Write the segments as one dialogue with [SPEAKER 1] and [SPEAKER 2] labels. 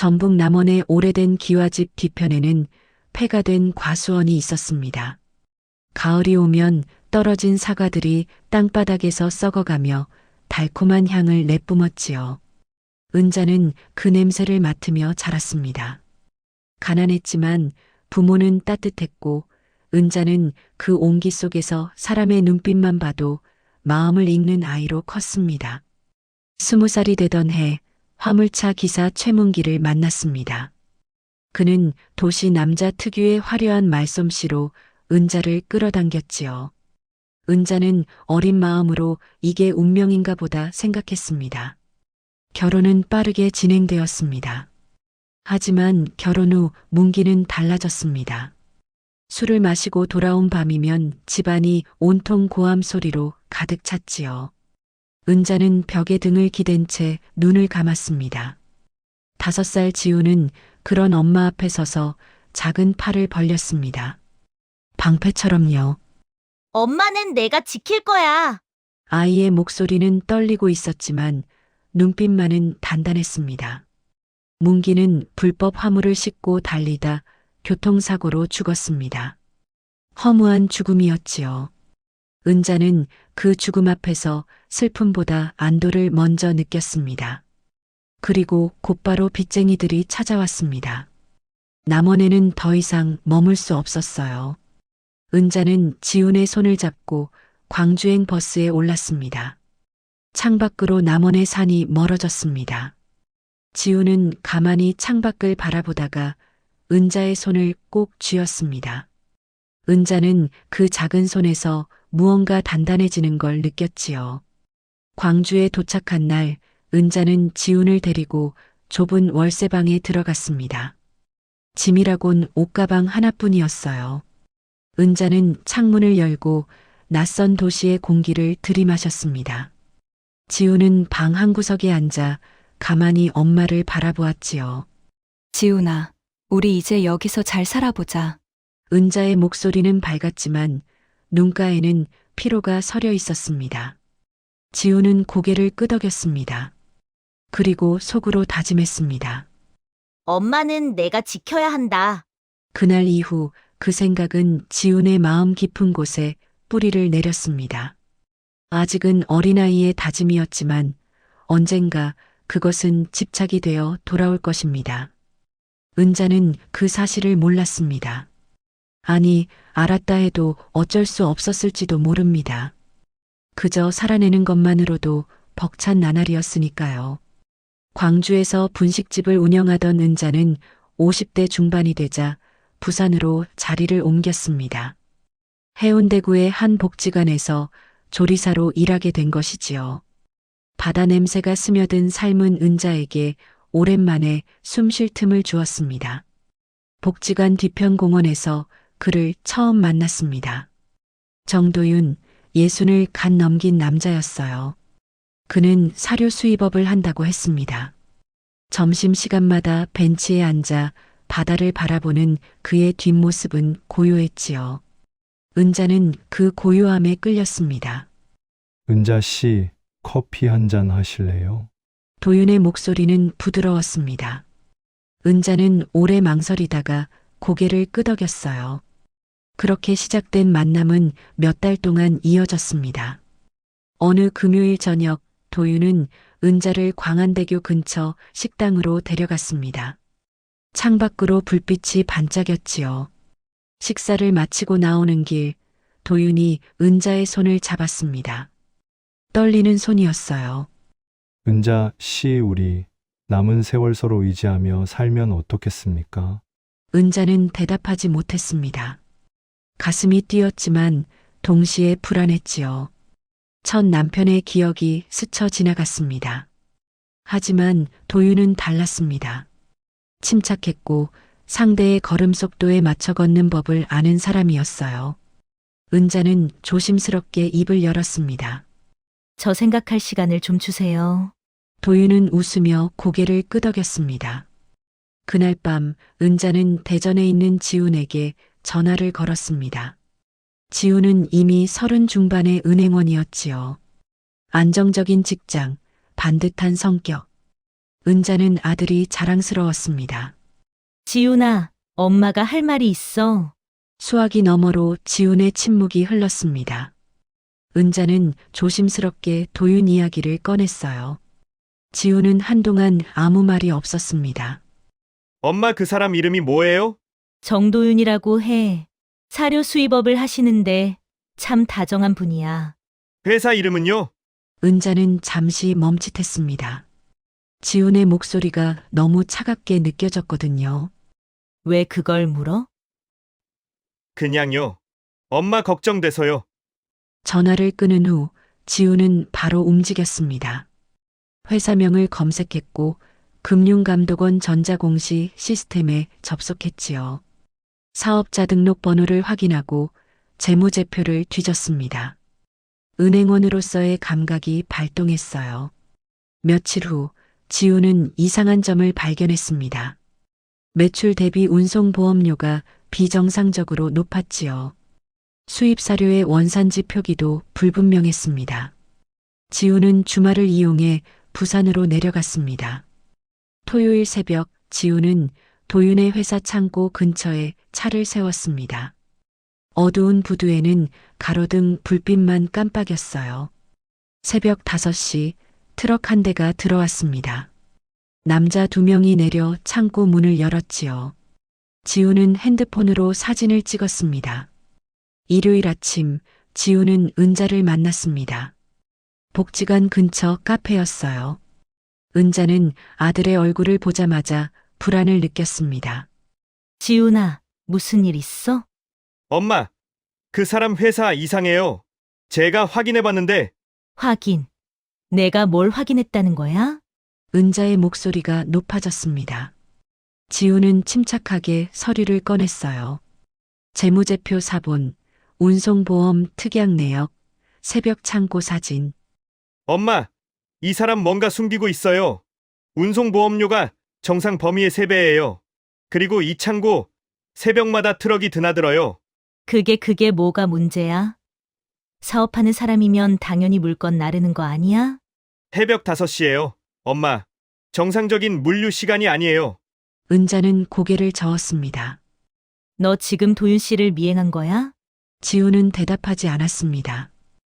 [SPEAKER 1] 전북 남원의 오래된 기와집 뒤편에는 폐가 된 과수원이 있었습니다. 가을이 오면 떨어진 사과들이 땅바닥에서 썩어가며 달콤한 향을 내뿜었지요. 은자는 그 냄새를 맡으며 자랐습니다. 가난했지만 부모는 따뜻했고 은자는 그 온기 속에서 사람의 눈빛만 봐도 마음을 읽는 아이로 컸습니다. 20살이 되던 해 화물차 기사 최문기를 만났습니다. 그는 도시 남자 특유의 화려한 말솜씨로 은자를 끌어당겼지요. 은자는 어린 마음으로 이게 운명인가 보다 생각했습니다. 결혼은 빠르게 진행되었습니다. 하지만 결혼 후 문기는 달라졌습니다. 술을 마시고 돌아온 밤이면 집안이 온통 고함 소리로 가득 찼지요. 은자는 벽에 등을 기댄 채 눈을 감았습니다. 5살 지우는 그런 엄마 앞에 서서 작은 팔을 벌렸습니다. 방패처럼요.
[SPEAKER 2] 엄마는 내가 지킬 거야.
[SPEAKER 1] 아이의 목소리는 떨리고 있었지만 눈빛만은 단단했습니다. 문기는 불법 화물을 싣고 달리다 교통사고로 죽었습니다. 허무한 죽음이었지요. 은자는 그 죽음 앞에서 슬픔보다 안도를 먼저 느꼈습니다. 그리고 곧바로 빚쟁이들이 찾아왔습니다. 남원에는 더 이상 머물 수 없었어요. 은자는 지훈의 손을 잡고 광주행 버스에 올랐습니다. 창밖으로 남원의 산이 멀어졌습니다. 지훈은 가만히 창밖을 바라보다가 은자의 손을 꼭 쥐었습니다. 은자는 그 작은 손에서 무언가 단단해지는 걸 느꼈지요. 광주에 도착한 날 은자는 지훈을 데리고 좁은 월세방에 들어갔습니다. 짐이라곤 옷가방 하나뿐이었어요. 은자는 창문을 열고 낯선 도시의 공기를 들이마셨습니다. 지훈은 방 한구석에 앉아 가만히 엄마를 바라보았지요.
[SPEAKER 3] 지훈아, 우리 이제 여기서 잘 살아보자.
[SPEAKER 1] 은자의 목소리는 밝았지만 눈가에는 피로가 서려 있었습니다. 지훈은 고개를 끄덕였습니다. 그리고 속으로 다짐했습니다.
[SPEAKER 2] 엄마는 내가 지켜야 한다.
[SPEAKER 1] 그날 이후 그 생각은 지훈의 마음 깊은 곳에 뿌리를 내렸습니다. 아직은 어린아이의 다짐이었지만 언젠가 그것은 집착이 되어 돌아올 것입니다. 은자는 그 사실을 몰랐습니다. 아니, 알았다 해도 어쩔 수 없었을지도 모릅니다. 그저 살아내는 것만으로도 벅찬 나날이었으니까요. 광주에서 분식집을 운영하던 은자는 50대 중반이 되자 부산으로 자리를 옮겼습니다. 해운대구의 한 복지관에서 조리사로 일하게 된 것이지요. 바다 냄새가 스며든 삶은 은자에게 오랜만에 숨 쉴 틈을 주었습니다. 복지관 뒤편 공원에서 그를 처음 만났습니다. 정도윤, 60을 갓 넘긴 남자였어요. 그는 사료 수입업을 한다고 했습니다. 점심시간마다 벤치에 앉아 바다를 바라보는 그의 뒷모습은 고요했지요. 은자는 그 고요함에 끌렸습니다.
[SPEAKER 4] 은자 씨, 커피 한 잔 하실래요?
[SPEAKER 1] 도윤의 목소리는 부드러웠습니다. 은자는 오래 망설이다가 고개를 끄덕였어요. 그렇게 시작된 만남은 몇 달 동안 이어졌습니다. 어느 금요일 저녁 도윤은 은자를 광안대교 근처 식당으로 데려갔습니다. 창밖으로 불빛이 반짝였지요. 식사를 마치고 나오는 길 도윤이 은자의 손을 잡았습니다. 떨리는 손이었어요.
[SPEAKER 4] 은자 씨, 우리 남은 세월 서로 의지하며 살면 어떻겠습니까?
[SPEAKER 1] 은자는 대답하지 못했습니다. 가슴이 뛰었지만 동시에 불안했지요. 첫 남편의 기억이 스쳐 지나갔습니다. 하지만 도윤은 달랐습니다. 침착했고 상대의 걸음 속도에 맞춰 걷는 법을 아는 사람이었어요. 은자는 조심스럽게 입을 열었습니다.
[SPEAKER 2] 저 생각할 시간을 좀 주세요.
[SPEAKER 1] 도윤은 웃으며 고개를 끄덕였습니다. 그날 밤 은자는 대전에 있는 지훈에게 전화를 걸었습니다. 지훈은 이미 30 중반의 은행원이었지요. 안정적인 직장, 반듯한 성격. 은자는 아들이 자랑스러웠습니다.
[SPEAKER 2] 지훈아, 엄마가 할 말이 있어.
[SPEAKER 1] 수화기 너머로 지훈의 침묵이 흘렀습니다. 은자는 조심스럽게 도윤 이야기를 꺼냈어요. 지훈은 한동안 아무 말이 없었습니다.
[SPEAKER 5] 엄마 그 사람 이름이 뭐예요?
[SPEAKER 2] 정도윤이라고 해. 사료 수입업을 하시는데 참 다정한 분이야.
[SPEAKER 5] 회사 이름은요?
[SPEAKER 1] 은자는 잠시 멈칫했습니다. 지훈의 목소리가 너무 차갑게 느껴졌거든요.
[SPEAKER 2] 왜 그걸 물어?
[SPEAKER 5] 그냥요. 엄마 걱정돼서요.
[SPEAKER 1] 전화를 끊은 후 지훈은 바로 움직였습니다. 회사명을 검색했고 금융감독원 전자공시 시스템에 접속했지요. 사업자 등록번호를 확인하고 재무제표를 뒤졌습니다. 은행원으로서의 감각이 발동했어요. 며칠 후 지훈은 이상한 점을 발견했습니다. 매출 대비 운송보험료가 비정상적으로 높았지요. 수입사료의 원산지 표기도 불분명했습니다. 지훈은 주말을 이용해 부산으로 내려갔습니다. 토요일 새벽 지훈은 도윤의 회사 창고 근처에 차를 세웠습니다. 어두운 부두에는 가로등 불빛만 깜빡였어요. 새벽 5시 트럭 한 대가 들어왔습니다. 남자 2명이 내려 창고 문을 열었지요. 지훈은 핸드폰으로 사진을 찍었습니다. 일요일 아침 지훈은 은자를 만났습니다. 복지관 근처 카페였어요. 은자는 아들의 얼굴을 보자마자 불안을 느꼈습니다.
[SPEAKER 2] 지훈아, 무슨 일 있어?
[SPEAKER 5] 엄마, 그 사람 회사 이상해요. 제가 확인해봤는데
[SPEAKER 2] 확인. 내가 뭘 확인했다는 거야?
[SPEAKER 1] 은자의 목소리가 높아졌습니다. 지훈은 침착하게 서류를 꺼냈어요. 재무제표 사본, 운송보험 특약 내역, 새벽 창고 사진.
[SPEAKER 5] 엄마, 이 사람 뭔가 숨기고 있어요. 운송보험료가 정상 범위의 3배예요. 그리고 이 창고 새벽마다 트럭이 드나들어요.
[SPEAKER 2] 그게 뭐가 문제야? 사업하는 사람이면 당연히 물건 나르는 거 아니야?
[SPEAKER 5] 새벽 5시예요. 엄마, 정상적인 물류 시간이 아니에요.
[SPEAKER 1] 은자는 고개를 저었습니다.
[SPEAKER 2] 너 지금 도윤 씨를 미행한 거야?
[SPEAKER 1] 지훈은 대답하지 않았습니다.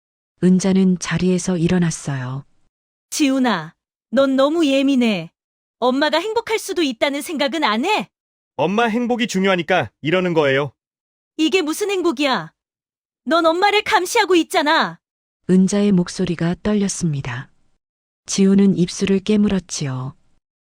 [SPEAKER 1] 은자는 자리에서 일어났어요.
[SPEAKER 2] 지훈아, 넌 너무 예민해. 엄마가 행복할 수도 있다는 생각은 안 해?
[SPEAKER 5] 엄마 행복이 중요하니까 이러는 거예요.
[SPEAKER 2] 이게 무슨 행복이야? 넌 엄마를 감시하고 있잖아.
[SPEAKER 1] 은자의 목소리가 떨렸습니다. 지훈은 입술을 깨물었지요.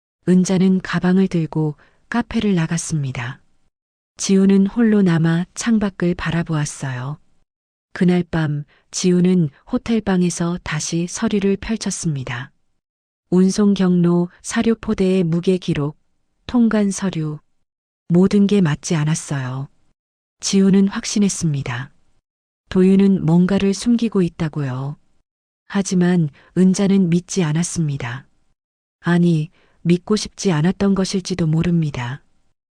[SPEAKER 1] 은자는 가방을 들고 카페를 나갔습니다. 지훈은 홀로 남아 창밖을 바라보았어요. 그날 밤 지훈은 호텔방에서 다시 서류를 펼쳤습니다. 운송 경로, 사료 포대의 무게 기록, 통관 서류, 모든 게 맞지 않았어요. 지훈은 확신했습니다. 도윤은 뭔가를 숨기고 있다고요. 하지만 은자는 믿지 않았습니다. 아니, 믿고 싶지 않았던 것일지도 모릅니다.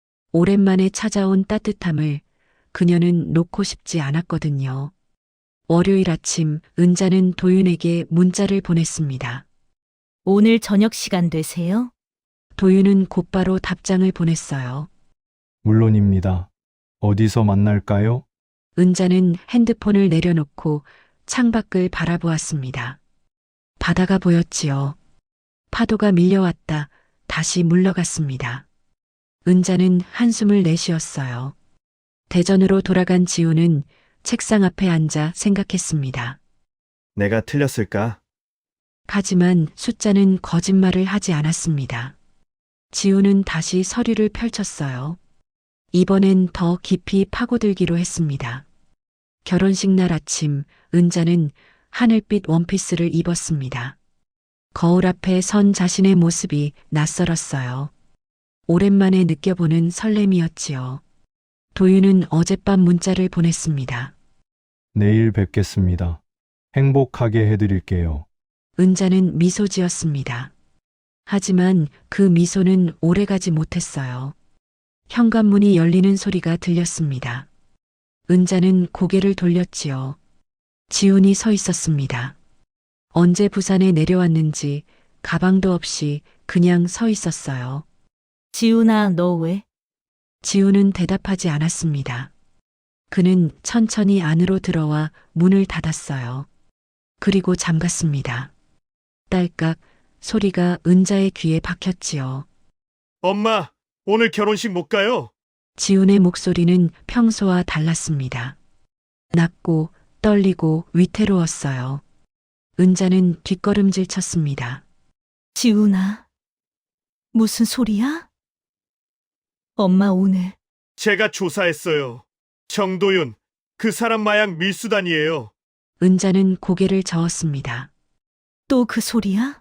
[SPEAKER 1] 오랜만에 찾아온 따뜻함을 그녀는 놓고 싶지 않았거든요. 월요일 아침 은자는 도윤에게 문자를 보냈습니다.
[SPEAKER 2] 오늘 저녁 시간 되세요?
[SPEAKER 1] 도윤은 곧바로 답장을 보냈어요.
[SPEAKER 4] 물론입니다. 어디서 만날까요?
[SPEAKER 1] 은자는 핸드폰을 내려놓고 창밖을 바라보았습니다. 바다가 보였지요. 파도가 밀려왔다 다시 물러갔습니다. 은자는 한숨을 내쉬었어요. 대전으로 돌아간 지훈은 책상 앞에 앉아 생각했습니다.
[SPEAKER 5] 내가 틀렸을까?
[SPEAKER 1] 하지만 숫자는 거짓말을 하지 않았습니다. 지훈은 다시 서류를 펼쳤어요. 이번엔 더 깊이 파고들기로 했습니다. 결혼식 날 아침 은자는 하늘빛 원피스를 입었습니다. 거울 앞에 선 자신의 모습이 낯설었어요. 오랜만에 느껴보는 설렘이었지요. 도윤은 어젯밤 문자를 보냈습니다.
[SPEAKER 4] 내일 뵙겠습니다. 행복하게 해드릴게요.
[SPEAKER 1] 은자는 미소 지었습니다. 하지만 그 미소는 오래가지 못했어요. 현관문이 열리는 소리가 들렸습니다. 은자는 고개를 돌렸지요. 지훈이 서 있었습니다. 언제 부산에 내려왔는지 가방도 없이 그냥 서 있었어요.
[SPEAKER 2] 지훈아, 너 왜?
[SPEAKER 1] 지우는 대답하지 않았습니다. 그는 천천히 안으로 들어와 문을 닫았어요. 그리고 잠갔습니다. 딸깍 소리가 은자의 귀에 박혔지요.
[SPEAKER 5] 엄마, 오늘 결혼식 못 가요?
[SPEAKER 1] 지훈의 목소리는 평소와 달랐습니다. 낮고 떨리고 위태로웠어요. 은자는 뒷걸음질 쳤습니다.
[SPEAKER 2] 지훈아, 무슨 소리야? 엄마 오늘
[SPEAKER 5] 제가 조사했어요. 정도윤, 그 사람 마약 밀수단이에요.
[SPEAKER 1] 은자는 고개를 저었습니다.
[SPEAKER 2] 또 그 소리야?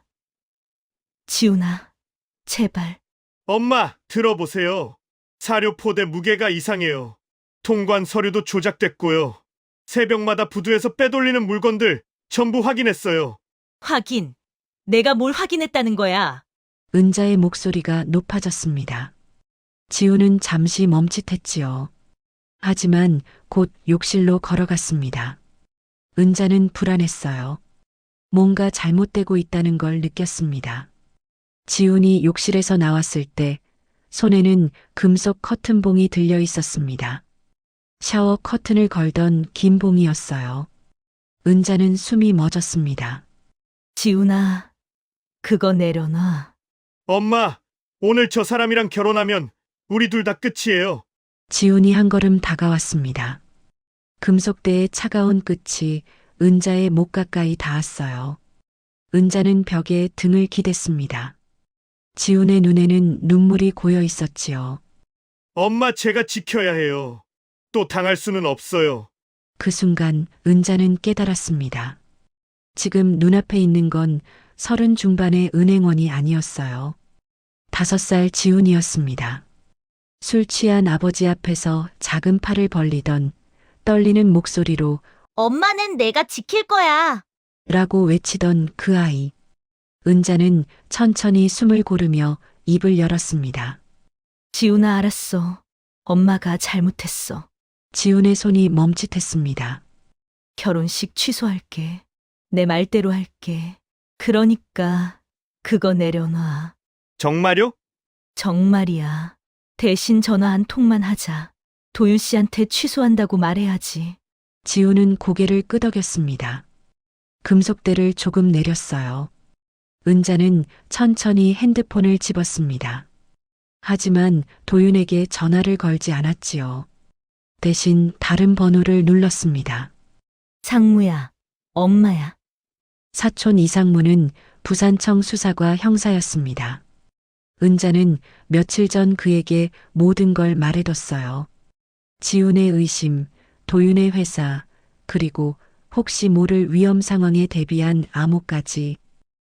[SPEAKER 2] 지훈아, 제발.
[SPEAKER 5] 엄마, 들어보세요. 사료 포대 무게가 이상해요. 통관 서류도 조작됐고요. 새벽마다 부두에서 빼돌리는 물건들 전부 확인했어요.
[SPEAKER 2] 확인. 내가 뭘 확인했다는 거야?
[SPEAKER 1] 은자의 목소리가 높아졌습니다. 지우는 잠시 멈칫했지요. 하지만 곧 욕실로 걸어갔습니다. 은자는 불안했어요. 뭔가 잘못되고 있다는 걸 느꼈습니다. 지훈이 욕실에서 나왔을 때 손에는 금속 커튼봉이 들려 있었습니다. 샤워 커튼을 걸던 긴 봉이었어요. 은자는 숨이 멎었습니다.
[SPEAKER 2] 지훈아, 그거 내려놔.
[SPEAKER 5] 엄마, 오늘 저 사람이랑 결혼하면 우리 둘 다 끝이에요.
[SPEAKER 1] 지훈이 한 걸음 다가왔습니다. 금속대의 차가운 끝이 은자의 목 가까이 닿았어요. 은자는 벽에 등을 기댔습니다. 지훈의 눈에는 눈물이 고여 있었지요.
[SPEAKER 5] 엄마, 제가 지켜야 해요. 또 당할 수는 없어요.
[SPEAKER 1] 그 순간 은자는 깨달았습니다. 지금 눈앞에 있는 건 30 중반의 은행원이 아니었어요. 5살 지훈이었습니다. 술 취한 아버지 앞에서 작은 팔을 벌리던 떨리는 목소리로
[SPEAKER 2] 엄마는 내가 지킬 거야.
[SPEAKER 1] 라고 외치던 그 아이. 은자는 천천히 숨을 고르며 입을 열었습니다.
[SPEAKER 2] 지훈아, 알았어. 엄마가 잘못했어.
[SPEAKER 1] 지훈의 손이 멈칫했습니다.
[SPEAKER 2] 결혼식 취소할게. 내 말대로 할게. 그러니까 그거 내려놔.
[SPEAKER 5] 정말요?
[SPEAKER 2] 정말이야. 대신 전화 한 통만 하자. 도윤 씨한테 취소한다고 말해야지.
[SPEAKER 1] 지훈은 고개를 끄덕였습니다. 금속대를 조금 내렸어요. 은자는 천천히 핸드폰을 집었습니다. 하지만 도윤에게 전화를 걸지 않았지요. 대신 다른 번호를 눌렀습니다.
[SPEAKER 2] 상무야, 엄마야.
[SPEAKER 1] 사촌 이상무는 부산청 수사과 형사였습니다. 은자는 며칠 전 그에게 모든 걸 말해뒀어요. 지훈의 의심, 도윤의 회사, 그리고 혹시 모를 위험 상황에 대비한 암호까지.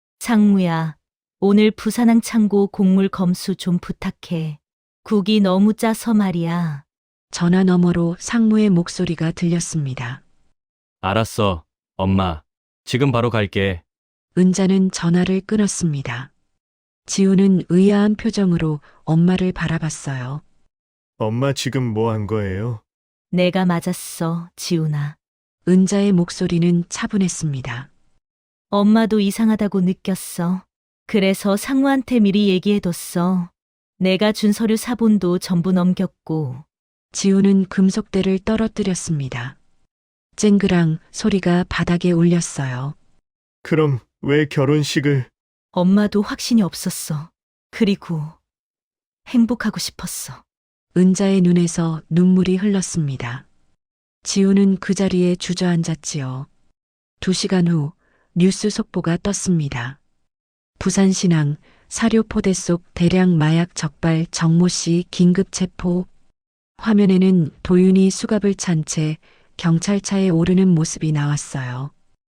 [SPEAKER 2] 상무야, 오늘 부산항 창고 곡물 검수 좀 부탁해. 국이 너무 짜서 말이야.
[SPEAKER 1] 전화 너머로 상무의 목소리가 들렸습니다.
[SPEAKER 6] 알았어, 엄마. 지금 바로 갈게.
[SPEAKER 1] 은자는 전화를 끊었습니다. 지훈은 의아한 표정으로 엄마를 바라봤어요.
[SPEAKER 5] 엄마, 지금 뭐 한 거예요?
[SPEAKER 2] 내가 맞았어, 지훈아.
[SPEAKER 1] 은자의 목소리는 차분했습니다.
[SPEAKER 2] 엄마도 이상하다고 느꼈어. 그래서 상무한테 미리 얘기해뒀어. 내가 준 서류 사본도 전부 넘겼고.
[SPEAKER 1] 지훈은 금속대를 떨어뜨렸습니다. 쨍그랑 소리가 바닥에 울렸어요.
[SPEAKER 5] 그럼 왜 결혼식을...
[SPEAKER 2] 엄마도 확신이 없었어. 그리고 행복하고 싶었어.
[SPEAKER 1] 은자의 눈에서 눈물이 흘렀습니다. 지훈은 그 자리에 주저앉았지요. 2시간 후 뉴스 속보가 떴습니다. 부산신항 사료 포대 속 대량 마약 적발 정모 씨 긴급 체포. 화면에는 도윤이 수갑을 찬 채 경찰차에 오르는 모습이 나왔어요.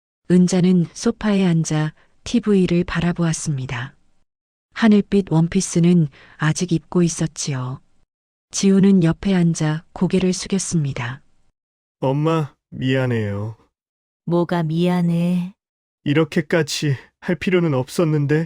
[SPEAKER 1] 은자는 소파에 앉아 TV를 바라보았습니다. 하늘빛 원피스는 아직 입고 있었지요. 지훈은 옆에 앉아 고개를 숙였습니다.
[SPEAKER 5] 엄마, 미안해요.
[SPEAKER 2] 뭐가 미안해.
[SPEAKER 5] 이렇게까지 할 필요는 없었는데.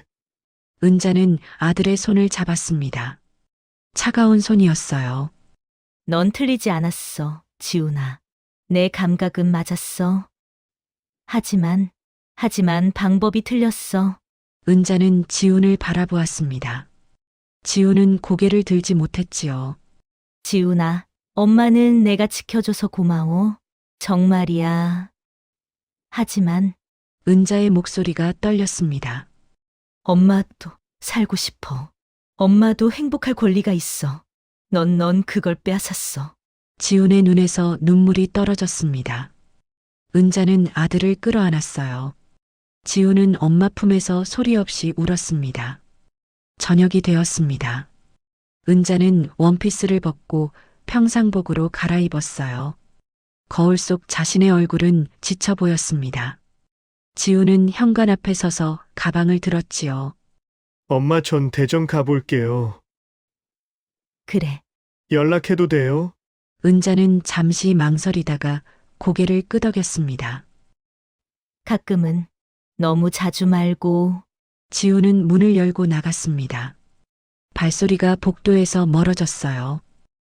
[SPEAKER 1] 은자는 아들의 손을 잡았습니다. 차가운 손이었어요.
[SPEAKER 2] 넌 틀리지 않았어, 지훈아. 내 감각은 맞았어. 하지만 방법이 틀렸어.
[SPEAKER 1] 은자는 지훈을 바라보았습니다. 지훈은 고개를 들지 못했지요.
[SPEAKER 2] 지훈아, 엄마는 내가 지켜줘서 고마워. 정말이야. 하지만
[SPEAKER 1] 은자의 목소리가 떨렸습니다.
[SPEAKER 2] 엄마도 살고 싶어. 엄마도 행복할 권리가 있어. 넌 그걸 빼앗았어.
[SPEAKER 1] 지훈의 눈에서 눈물이 떨어졌습니다. 은자는 아들을 끌어안았어요. 지훈은 엄마 품에서 소리 없이 울었습니다. 저녁이 되었습니다. 은자는 원피스를 벗고 평상복으로 갈아입었어요. 거울 속 자신의 얼굴은 지쳐 보였습니다. 지훈은 현관 앞에 서서 가방을 들었지요.
[SPEAKER 5] 엄마, 전 대전 가볼게요.
[SPEAKER 2] 그래.
[SPEAKER 5] 연락해도 돼요?
[SPEAKER 1] 은자는 잠시 망설이다가 고개를 끄덕였습니다.
[SPEAKER 2] 가끔은 너무 자주 말고.
[SPEAKER 1] 지훈은 문을 열고 나갔습니다. 발소리가 복도에서 멀어졌어요.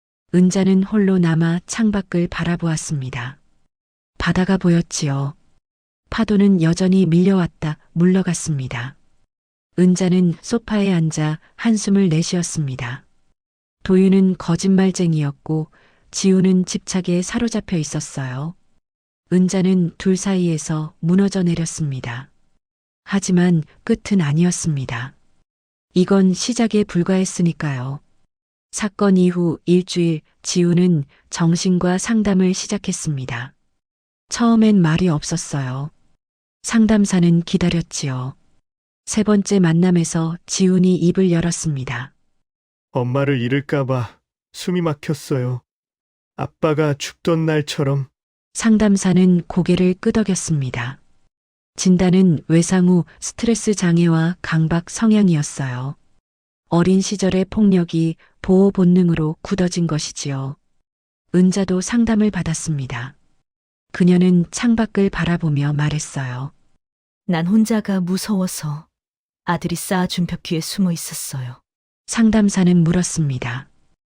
[SPEAKER 1] 은자는 홀로 남아 창밖을 바라보았습니다. 바다가 보였지요. 파도는 여전히 밀려왔다 물러갔습니다. 은자는 소파에 앉아 한숨을 내쉬었습니다. 도윤은 거짓말쟁이였고 지훈은 집착에 사로잡혀 있었어요. 은자는 둘 사이에서 무너져 내렸습니다. 하지만 끝은 아니었습니다. 이건 시작에 불과했으니까요. 사건 이후 일주일 지훈은 정신과 상담을 시작했습니다. 처음엔 말이 없었어요. 상담사는 기다렸지요. 세 번째 만남에서 지훈이 입을 열었습니다.
[SPEAKER 5] 엄마를 잃을까봐 숨이 막혔어요. 아빠가 죽던 날처럼.
[SPEAKER 1] 상담사는 고개를 끄덕였습니다. 진단은 외상 후 스트레스 장애와 강박 성향이었어요. 어린 시절의 폭력이 보호 본능으로 굳어진 것이지요. 은자도 상담을 받았습니다. 그녀는 창밖을 바라보며 말했어요.
[SPEAKER 2] 난 혼자가 무서워서 아들이 쌓아준 벽 뒤에 숨어 있었어요.
[SPEAKER 1] 상담사는 물었습니다.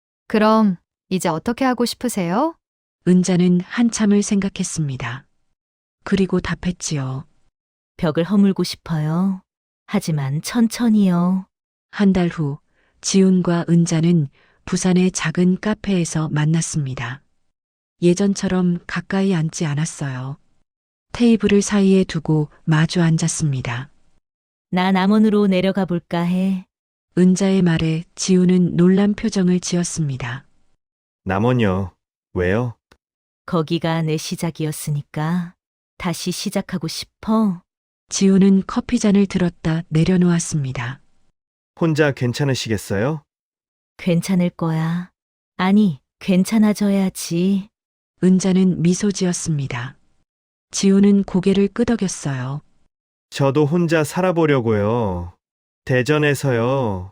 [SPEAKER 3] 그럼 이제 어떻게 하고 싶으세요?
[SPEAKER 1] 은자는 한참을 생각했습니다. 그리고 답했지요.
[SPEAKER 2] 벽을 허물고 싶어요. 하지만 천천히요.
[SPEAKER 1] 한 달 후 지훈과 은자는 부산의 작은 카페에서 만났습니다. 예전처럼 가까이 앉지 않았어요. 테이블을 사이에 두고 마주 앉았습니다.
[SPEAKER 2] 나 남원으로 내려가 볼까 해.
[SPEAKER 1] 은자의 말에 지훈은 놀란 표정을 지었습니다.
[SPEAKER 5] 남원요. 왜요?
[SPEAKER 2] 거기가 내 시작이었으니까 다시 시작하고 싶어.
[SPEAKER 1] 지훈은 커피잔을 들었다 내려놓았습니다.
[SPEAKER 5] 혼자 괜찮으시겠어요?
[SPEAKER 2] 괜찮을 거야. 아니, 괜찮아져야지.
[SPEAKER 1] 은자는 미소 지었습니다. 지훈은 고개를 끄덕였어요.
[SPEAKER 5] 저도 혼자 살아보려고요. 대전에서요.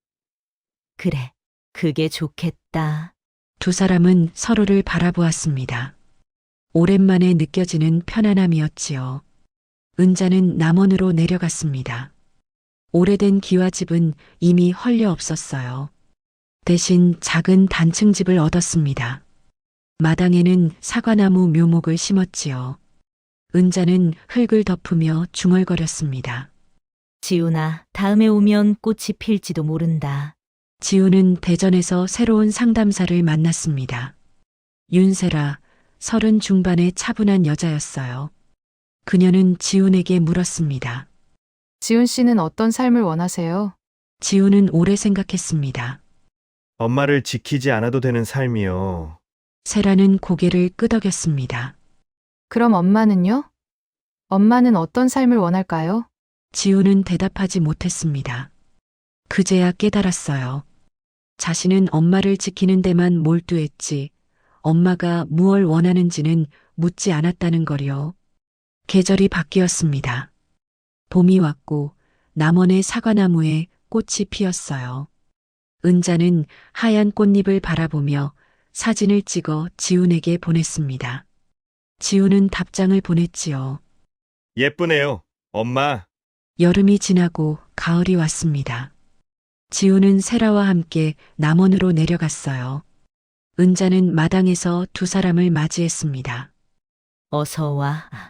[SPEAKER 2] 그래, 그게 좋겠다.
[SPEAKER 1] 두 사람은 서로를 바라보았습니다. 오랜만에 느껴지는 편안함이었지요. 은자는 남원으로 내려갔습니다. 오래된 기와집은 이미 헐려 없었어요. 대신 작은 단층 집을 얻었습니다. 마당에는 사과나무 묘목을 심었지요. 은자는 흙을 덮으며 중얼거렸습니다.
[SPEAKER 2] 지훈아, 다음에 오면 꽃이 필지도 모른다.
[SPEAKER 1] 지훈은 대전에서 새로운 상담사를 만났습니다. 윤세라, 30 중반의 차분한 여자였어요. 그녀는 지훈에게 물었습니다.
[SPEAKER 3] 지훈 씨는 어떤 삶을 원하세요?
[SPEAKER 1] 지훈은 오래 생각했습니다.
[SPEAKER 5] 엄마를 지키지 않아도 되는 삶이요.
[SPEAKER 1] 세라는 고개를 끄덕였습니다.
[SPEAKER 3] 그럼 엄마는요? 엄마는 어떤 삶을 원할까요?
[SPEAKER 1] 지훈은 대답하지 못했습니다. 그제야 깨달았어요. 자신은 엄마를 지키는 데만 몰두했지 엄마가 무얼 원하는지는 묻지 않았다는 거요. 계절이 바뀌었습니다. 봄이 왔고 남원의 사과나무에 꽃이 피었어요. 은자는 하얀 꽃잎을 바라보며 사진을 찍어 지훈에게 보냈습니다. 지훈은 답장을 보냈지요.
[SPEAKER 5] 예쁘네요. 엄마.
[SPEAKER 1] 여름이 지나고 가을이 왔습니다. 지훈은 세라와 함께 남원으로 내려갔어요. 은자는 마당에서 두 사람을 맞이했습니다.
[SPEAKER 2] 어서 와.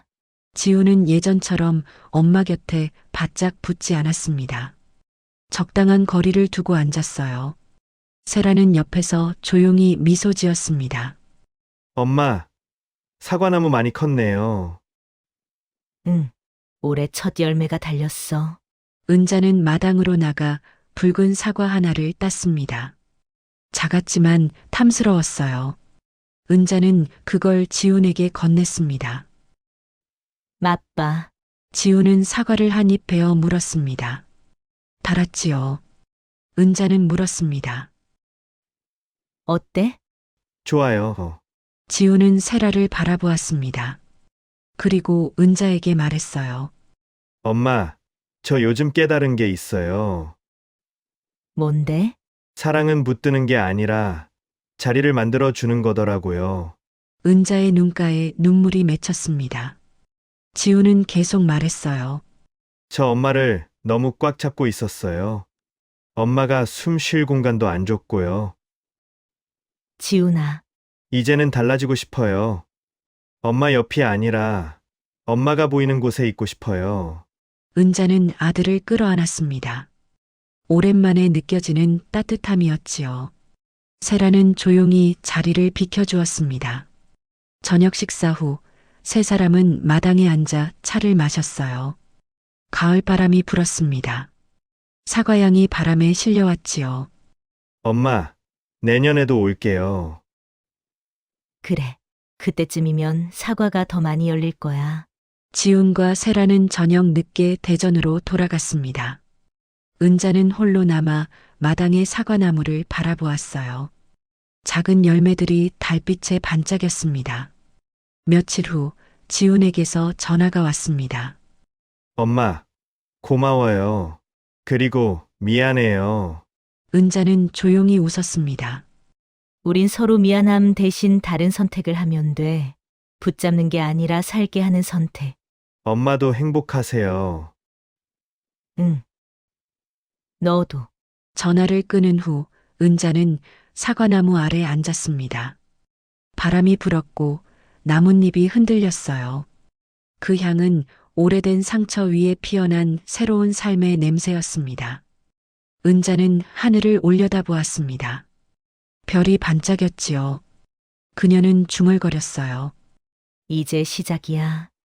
[SPEAKER 1] 지우는 예전처럼 엄마 곁에 바짝 붙지 않았습니다. 적당한 거리를 두고 앉았어요. 세라는 옆에서 조용히 미소 지었습니다.
[SPEAKER 5] 엄마, 사과나무 많이 컸네요.
[SPEAKER 2] 응. 올해 첫 열매가 달렸어.
[SPEAKER 1] 은자는 마당으로 나가 붉은 사과 하나를 땄습니다. 작았지만 탐스러웠어요. 은자는 그걸 지훈에게 건넸습니다.
[SPEAKER 2] 맛봐.
[SPEAKER 1] 지훈은 사과를 한 입 베어 물었습니다. 달았지요. 은자는 물었습니다.
[SPEAKER 2] 어때?
[SPEAKER 5] 좋아요.
[SPEAKER 1] 지훈은 세라를 바라보았습니다. 그리고 은자에게 말했어요.
[SPEAKER 5] 엄마, 저 요즘 깨달은 게 있어요.
[SPEAKER 2] 뭔데?
[SPEAKER 5] 사랑은 붙드는 게 아니라 자리를 만들어 주는 거더라고요.
[SPEAKER 1] 은자의 눈가에 눈물이 맺혔습니다. 지훈은 계속 말했어요.
[SPEAKER 5] 저 엄마를 너무 꽉 잡고 있었어요. 엄마가 숨 쉴 공간도 안 줬고요.
[SPEAKER 2] 지훈아.
[SPEAKER 5] 이제는 달라지고 싶어요. 엄마 옆이 아니라 엄마가 보이는 곳에 있고 싶어요.
[SPEAKER 1] 은자는 아들을 끌어안았습니다. 오랜만에 느껴지는 따뜻함이었지요. 세라는 조용히 자리를 비켜주었습니다. 저녁 식사 후 세 사람은 마당에 앉아 차를 마셨어요. 가을 바람이 불었습니다. 사과향이 바람에 실려왔지요.
[SPEAKER 5] 엄마, 내년에도 올게요.
[SPEAKER 2] 그래. 그때쯤이면 사과가 더 많이 열릴 거야.
[SPEAKER 1] 지훈과 세라는 저녁 늦게 대전으로 돌아갔습니다. 은자는 홀로 남아 마당의 사과나무를 바라보았어요. 작은 열매들이 달빛에 반짝였습니다. 며칠 후 지훈에게서 전화가 왔습니다.
[SPEAKER 5] 엄마, 고마워요. 그리고 미안해요.
[SPEAKER 1] 은자는 조용히 웃었습니다.
[SPEAKER 2] 우린 서로 미안함 대신 다른 선택을 하면 돼. 붙잡는 게 아니라 살게 하는 선택.
[SPEAKER 5] 엄마도 행복하세요.
[SPEAKER 2] 응. 너도.
[SPEAKER 1] 전화를 끊은 후 은자는 사과나무 아래 앉았습니다. 바람이 불었고 나뭇잎이 흔들렸어요. 그 향은 오래된 상처 위에 피어난 새로운 삶의 냄새였습니다. 은자는 하늘을 올려다보았습니다. 별이 반짝였지요. 그녀는 중얼거렸어요.
[SPEAKER 2] 이제 시작이야.